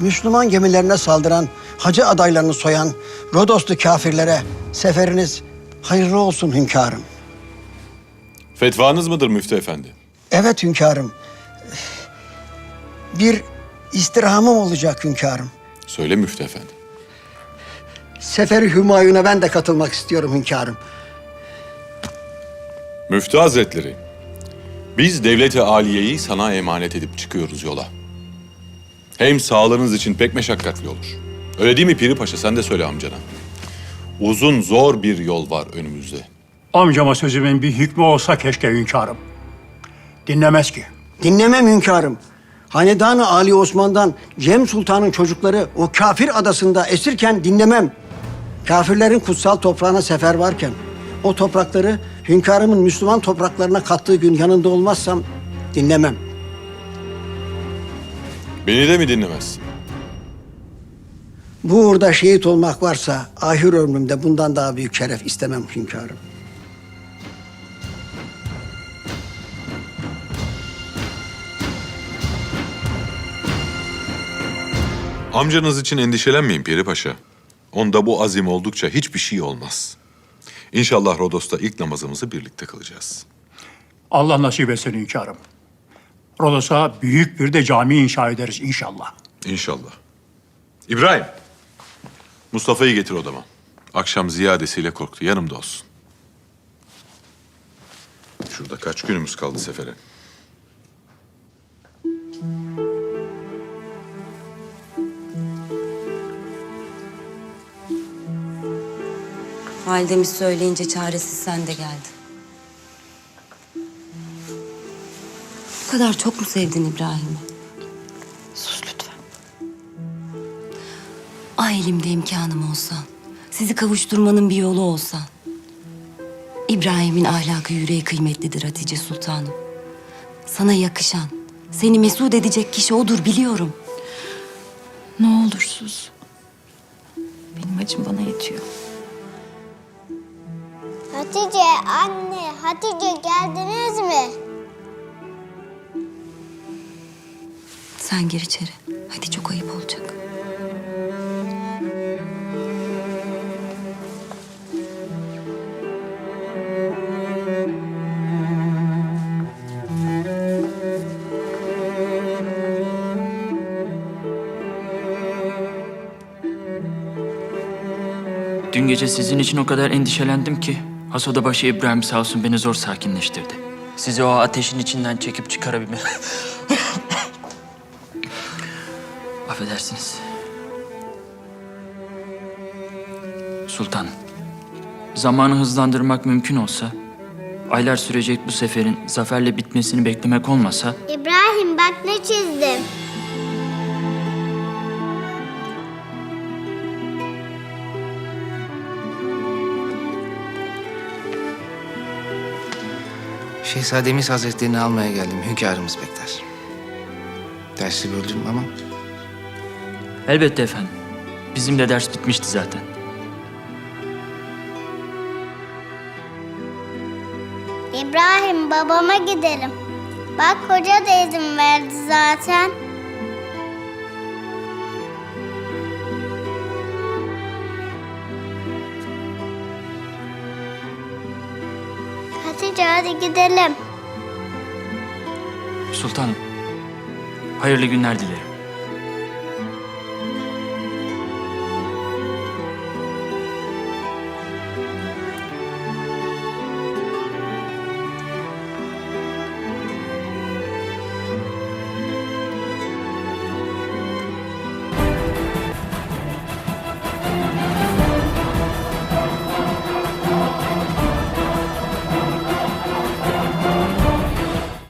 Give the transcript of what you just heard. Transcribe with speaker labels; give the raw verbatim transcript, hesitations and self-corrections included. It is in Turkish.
Speaker 1: Müslüman gemilerine saldıran, hacı adaylarını soyan Rodoslu kafirlere seferiniz hayırlı olsun hünkârım.
Speaker 2: Fetvanız mıdır Müftü Efendi?
Speaker 1: Evet hünkârım. Bir istirhamım olacak hünkârım.
Speaker 2: Söyle Müftü Efendi.
Speaker 1: Seferi Hümayun'a ben de katılmak istiyorum hünkârım.
Speaker 2: Müftü Hazretleri, biz devlet-i aliyeyi sana emanet edip çıkıyoruz yola. Hem sağlığınız için pek meşakkatli olur. Öyle değil mi Piri Paşa? Sen de söyle amcana. Uzun, zor bir yol var önümüzde.
Speaker 3: Amcama sözümün bir hükmü olsa keşke hünkârım. Dinlemez ki.
Speaker 1: Dinlemem hünkârım. Hanedan-ı Ali Osman'dan Cem Sultan'ın çocukları o kafir adasında esirken dinlemem. Kafirlerin kutsal toprağına sefer varken o toprakları hünkârımın Müslüman topraklarına kattığı gün yanında olmazsam dinlemem.
Speaker 2: Beni de mi dinlemezsin?
Speaker 1: Bu uğurda şehit olmak varsa ahir ömrümde bundan daha büyük şeref istemem hünkârım.
Speaker 2: Amcanız için endişelenmeyin Piri Paşa. Onda bu azim oldukça hiçbir şey olmaz. İnşallah Rodos'ta ilk namazımızı birlikte kılacağız.
Speaker 3: Allah nasip etsin hünkârım. Rodos'a büyük bir de cami inşa ederiz inşallah.
Speaker 2: İnşallah. İbrahim, Mustafa'yı getir odama. Akşam ziyadesiyle korktu. Yanımda olsun. Şurada kaç günümüz kaldı sefere?
Speaker 4: Validemiz söyleyince çaresiz sen de geldin. Bu kadar çok mu sevdin İbrahim'i? Sus lütfen. Ah elimde imkanım olsa, sizi kavuşturmanın bir yolu olsa. İbrahim'in ahlakı yüreği kıymetlidir Hatice Sultanım. Sana yakışan, seni mesut edecek kişi odur biliyorum.
Speaker 5: Ne olur sus. Benim acım bana yetiyor.
Speaker 6: Hatice anne, Hatice geldiniz mi?
Speaker 4: Sen gir içeri. Hadi çok ayıp olacak.
Speaker 7: Dün gece sizin için o kadar endişelendim ki Hasodabaşı İbrahim sağ olsun beni zor sakinleştirdi. Sizi o ateşin içinden çekip çıkarabilme... Affedersiniz. Sultan, zamanı hızlandırmak mümkün olsa, aylar sürecek bu seferin zaferle bitmesini beklemek olmasa...
Speaker 6: İbrahim bak ne çizdim.
Speaker 8: Şehzademiz Hazretlerini almaya geldim. Hünkârımız bekler. Dersi böldüm ama
Speaker 7: Elbette efendim. Bizim de ders bitmişti zaten.
Speaker 6: İbrahim babama gidelim. Bak hoca da izin verdi zaten. Hatice hadi gidelim.
Speaker 7: Sultanım, hayırlı günler dilerim.